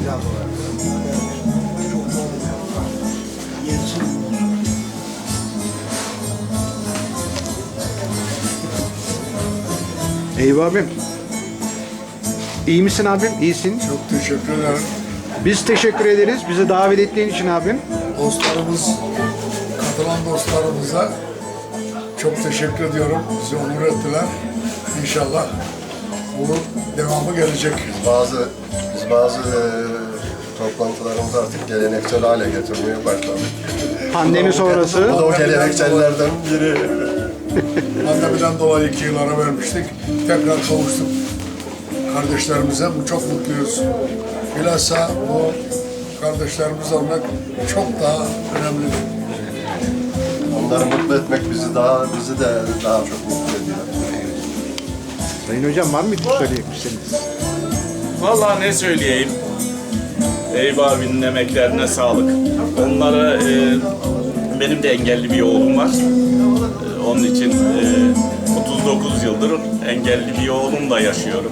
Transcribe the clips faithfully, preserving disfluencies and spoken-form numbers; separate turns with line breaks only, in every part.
Eyüp abim. İyi misin abim? İyisin.
Çok teşekkür ederim.
Biz teşekkür ederiz. Bizi davet ettiğin için abim.
Dostlarımız, katılan dostlarımıza çok teşekkür ediyorum. Bizi onur ettiler. İnşallah bunun devamı gelecek.
Bazı biz bazı e, toplantılarımızı artık geleneksel hale getirmeye başladık.
Pandemi sonrası.
Bu da o geleneksellerden biri.
Pandemiden dolayı iki yıl ara vermiştik. Tekrar kavuştuk kardeşlerimize. Bu çok mutluyuz. Bilhassa bu kardeşlerimizi almak çok daha önemli.
Onları mutlu etmek bizi daha bizi de daha çok mutlu ediyor.
Sayın hocam var mıydı söyleyecekmişsiniz?
Vallahi ne söyleyeyim? Eyüp abinin emeklerine sağlık. Onlara e, benim de engelli bir oğlum var. E, onun için e, otuz dokuz yıldır engelli bir oğlumla yaşıyorum.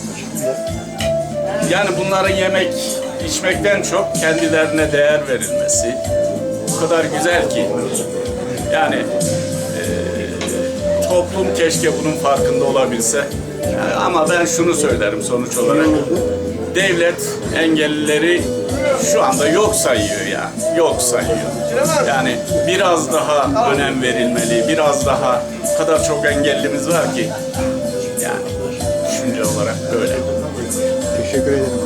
Yani bunların yemek içmekten çok kendilerine değer verilmesi o kadar güzel ki. Yani e, toplum keşke bunun farkında olabilse. Yani ama ben şunu söylerim sonuç olarak. Devlet engellileri şu anda yok sayıyor ya. Yok sayıyor. Yani biraz daha önem verilmeli. Biraz daha o kadar çok engellimiz var ki. Yani düşünce olarak böyle.
Teşekkür ederim.